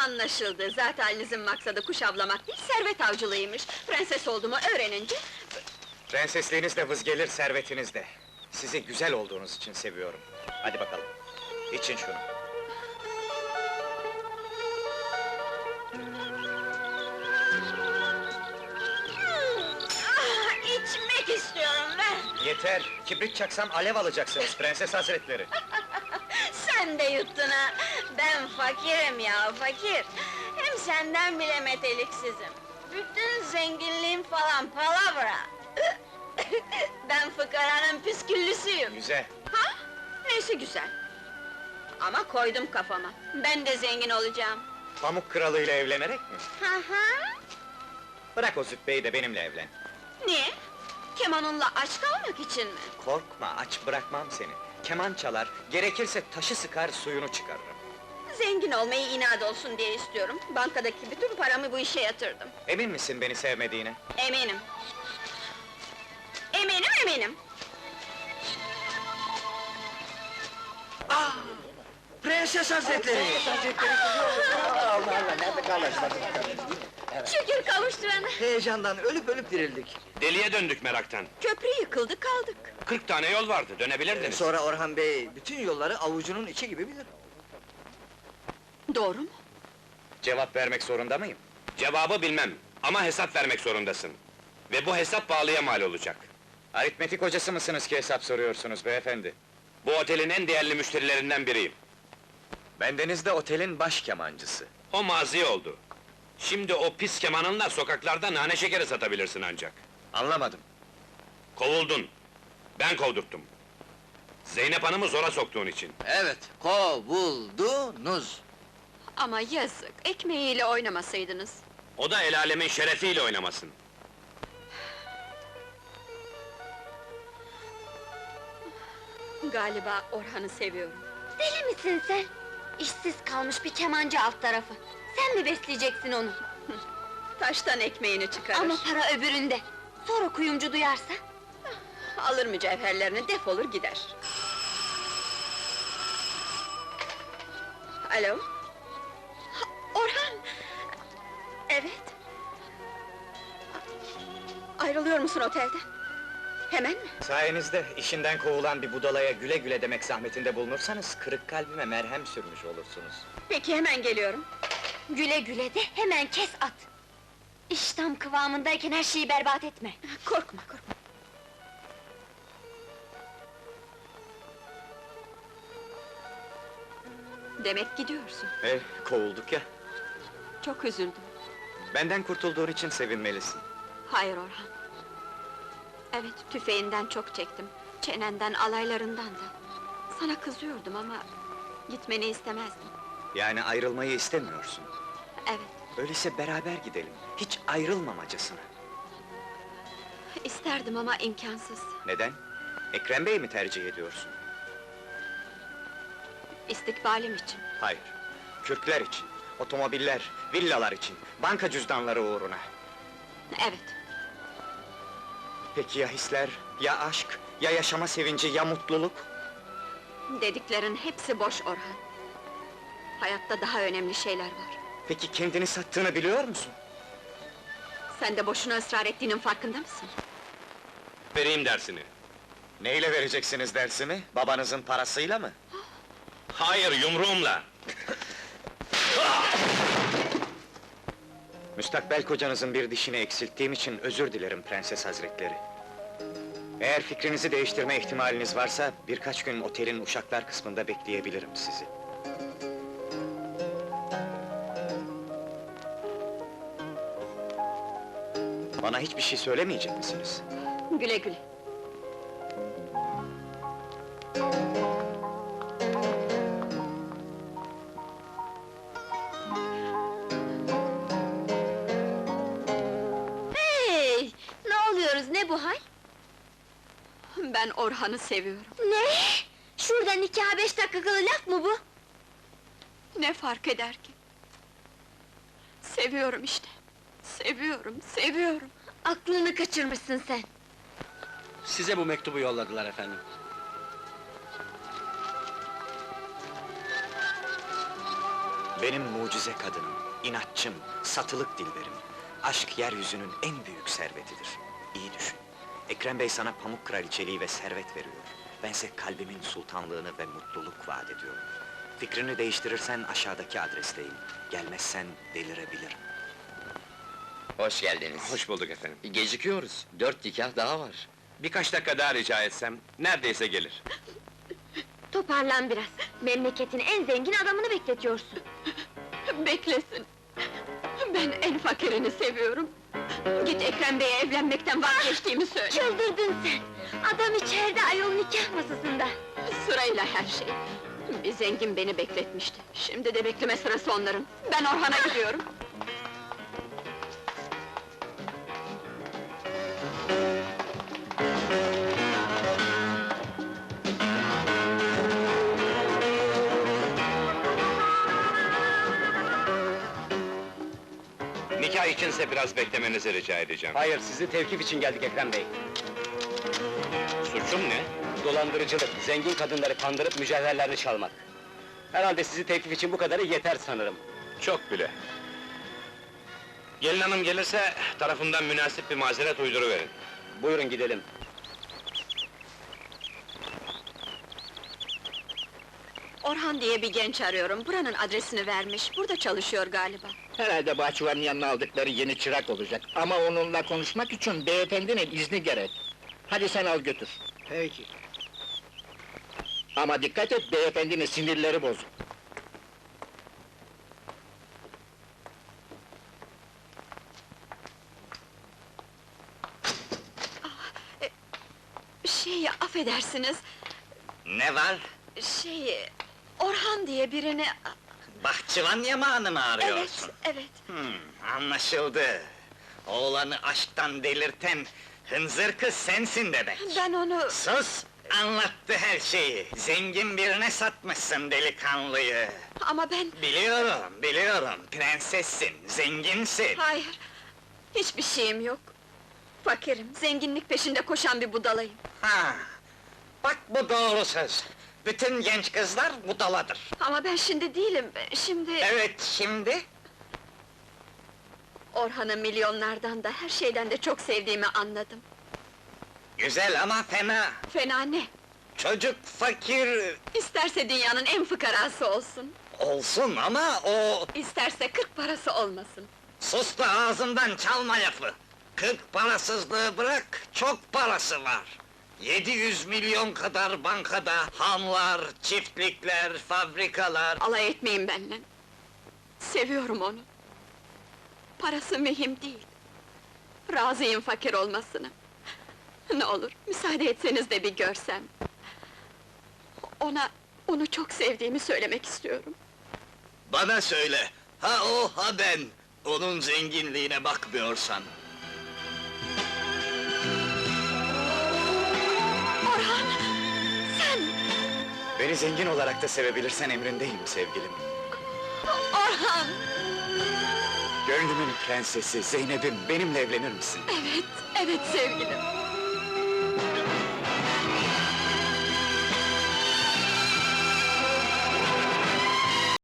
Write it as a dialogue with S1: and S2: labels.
S1: Anlaşıldı, zaten halinizin maksadı kuş avlamak değil, servet avcılığıymış. Prenses olduğumu öğrenince...
S2: Prensesliğiniz de vız gelir, servetiniz de. Sizi güzel olduğunuz için seviyorum. Hadi bakalım, için şunu.
S1: İçmek istiyorum ben!
S2: Yeter, kibrit çaksam alev alacaksınız prenses hazretleri.
S1: Sen de yuttun ha! Ben fakirim ya, fakir! Hem senden bile meteliksizim. Bütün zenginliğim falan palavra! Ben fıkaranın püsküllüsüyüm!
S2: Güzel.
S1: Ha? Neyse güzel! Ama koydum kafama, ben de zengin olacağım!
S2: Pamuk kralıyla evlenerek mi?
S1: Hı hı!
S2: Bırak o züppeyi de benimle evlen.
S1: Niye? Kemanınla aç kalmak için mi?
S2: Korkma, aç bırakmam seni. Keman çalar, gerekirse taşı sıkar, suyunu çıkarırım.
S1: Zengin olmayı inat olsun diye istiyorum. Bankadaki bütün paramı bu işe yatırdım.
S2: Emin misin beni sevmediğine?
S1: Eminim. Eminim!
S3: Prenses hazretleri!
S1: Şükür kavuşturana!
S3: Heyecandan ölüp ölüp dirildik.
S4: Deliye döndük meraktan.
S1: Köprü yıkıldı, kaldık.
S4: 40 tane yol vardı, dönebilirdiniz.
S3: Sonra Orhan Bey bütün yolları avucunun içi gibi bilir.
S1: Doğru mu?
S2: Cevap vermek zorunda mıyım?
S4: Cevabı bilmem ama hesap vermek zorundasın. Ve bu hesap pahalıya mal olacak.
S2: Aritmetik hocası mısınız ki hesap soruyorsunuz beyefendi?
S4: Bu otelin en değerli müşterilerinden biriyim.
S2: Bendeniz de otelin baş kemancısı.
S4: O mazi oldu. Şimdi o pis kemanınla sokaklarda nane şekeri satabilirsin ancak.
S2: Anlamadım.
S4: Kovuldun. Ben kovdurttum. Zeynep Hanım'ı zora soktuğun için.
S3: Evet, kovuldunuz.
S1: Ama yazık, ekmeğiyle oynamasaydınız.
S4: O da el alemin şerefiyle oynamasın.
S1: Galiba Orhan'ı seviyorum.
S5: Deli misin sen? İşsiz kalmış bir kemancı alt tarafı. Sen mi besleyeceksin onu?
S1: Taştan ekmeğini çıkarır.
S5: Ama para öbüründe. Sonra kuyumcu duyarsa?
S1: Alır mücevherlerini, defolur gider. Alo? Ha, Orhan! Evet. Ayrılıyor musun otelden? Hemen mi?
S2: Sayenizde işinden kovulan bir budalaya güle güle demek zahmetinde bulunursanız... ...kırık kalbime merhem sürmüş olursunuz.
S1: Peki, hemen geliyorum.
S5: Güle güle de hemen kes at. İş tam kıvamındayken her şeyi berbat etme.
S1: Korkma. Demek gidiyorsun.
S2: Kovulduk ya.
S1: Çok üzüldüm.
S2: Benden kurtulduğun için sevinmelisin.
S1: Hayır Orhan. Evet, tüfeğinden çok çektim. Çenenden, alaylarından da. Sana kızıyordum ama... ...gitmeni istemezdim.
S2: Yani ayrılmayı istemiyorsun.
S1: Evet,
S2: Öyleyse beraber gidelim, hiç ayrılmamacasına.
S1: isterdim ama imkansız.
S2: Neden? Ekrem Bey'i mi tercih ediyorsun?
S1: İstikbalim için.
S2: Hayır, Kürkler için, otomobiller, villalar için, banka cüzdanları uğruna.
S1: Evet,
S2: Peki ya hisler, ya aşk, ya yaşama sevinci, ya mutluluk?
S1: dediklerin hepsi boş Orhan. Hayatta daha önemli şeyler var.
S2: Peki kendini sattığını biliyor musun?
S1: Sen de boşuna ısrar ettiğinin farkında mısın?
S4: Vereyim dersini.
S2: Neyle vereceksiniz dersimi? Babanızın parasıyla mı?
S4: Hayır, yumruğumla.
S2: Müstakbel kocanızın bir dişini eksilttiğim için özür dilerim prenses hazretleri. Eğer fikrinizi değiştirme ihtimaliniz varsa... ...birkaç gün otelin uşaklar kısmında bekleyebilirim sizi. Bana hiçbir şey söylemeyecek misiniz?
S1: Güle güle.
S5: Hey! Ne oluyoruz, ne bu hal?
S1: Ben Orhan'ı seviyorum.
S5: Ne? Şurada nikah 5 dakikalı laf mı bu?
S1: Ne fark eder ki? Seviyorum işte. Seviyorum.
S5: Aklını kaçırmışsın sen.
S6: Size bu mektubu yolladılar efendim.
S2: Benim mucize kadınım, inatçım, satılık dilberim. Aşk yeryüzünün en büyük servetidir. İyi düşün. Ekrem Bey sana pamuk kraliçeliği ve servet veriyor. Bense kalbimin sultanlığını ve mutluluk vaat ediyorum. Fikrini değiştirirsen aşağıdaki adresteyim. Gelmezsen delirebilirim.
S7: Hoş geldiniz.
S4: Hoş bulduk efendim.
S7: Gecikiyoruz. 4 nikah daha var.
S4: Birkaç dakika daha rica etsem, neredeyse gelir.
S5: Toparlan biraz. Memleketin en zengin adamını bekletiyorsun.
S1: Beklesin. Ben en fakirini seviyorum. Git Ekrem Bey'e evlenmekten vazgeçtiğimi söyle.
S5: Çıldırdın sen! Adam içeride ayol nikah masasında.
S1: Sırayla her şey. Bir zengin beni bekletmişti. Şimdi de bekleme sırası onların. Ben Orhan'a gidiyorum.
S4: Nikah içinse biraz beklemenizi rica edeceğim.
S6: Hayır, sizi tevkif için geldik Ekrem Bey.
S4: Suçum ne?
S6: Dolandırıcılık, zengin kadınları kandırıp mücevherlerini çalmak. Herhalde sizi tevkif için bu kadarı yeter sanırım.
S4: Çok bile. Gelin hanım gelirse, tarafından münasip bir mazeret uyduruverin.
S6: Buyurun gidelim.
S1: Orhan diye bir genç arıyorum. Buranın adresini vermiş. Burada çalışıyor galiba.
S8: Herhalde bahçıvanın yanına aldıkları yeni çırak olacak. Ama onunla konuşmak için beyefendinin izni gerek. Hadi sen al götür.
S3: Peki.
S8: Ama dikkat et, beyefendinin sinirleri bozuk.
S1: Affedersiniz.
S3: Ne var?
S1: Orhan diye birini...
S3: Bahçıvan yamağını mı
S1: Evet,
S3: arıyorsun?
S1: evet.
S3: Anlaşıldı. Oğlanı aşktan delirten hınzır kız sensin demek.
S1: Ben onu...
S3: Sus! Anlattı her şeyi. Zengin birine satmışsın delikanlıyı.
S1: Ama ben...
S3: Biliyorum. Prensessin, zenginsin.
S1: Hayır, hiçbir şeyim yok. Fakirim, zenginlik peşinde koşan bir budalayım.
S3: Ha! Bak bu doğru söz. Bütün genç kızlar budaladır.
S1: Ama ben şimdi değilim, şimdi...
S3: Evet, şimdi?
S1: Orhan'ı milyonlardan da, her şeyden de çok sevdiğimi anladım.
S3: Güzel ama fena.
S1: Fena ne?
S3: Çocuk fakir
S1: İsterse dünyanın en fıkarası olsun,
S3: olsun ama o...
S1: isterse 40 parası olmasın.
S3: Sus da ağzından çalma lafı! 40 parasızlığı bırak, çok parası var! 700 milyon kadar bankada, hanlar, çiftlikler, fabrikalar...
S1: Alay etmeyin benimle. Seviyorum onu. Parası mühim değil. Razıyım fakir olmasına. Ne olur, müsaade etseniz de bir görsem. Onu çok sevdiğimi söylemek istiyorum.
S3: Bana söyle, ha o ha ben! Onun zenginliğine bakmıyorsan.
S1: Orhan! Sen!
S2: Beni zengin olarak da sevebilirsen emrindeyim sevgilim.
S1: Orhan!
S2: Gönlümün prensesi, Zeynep'im, benimle evlenir misin?
S1: Evet sevgilim.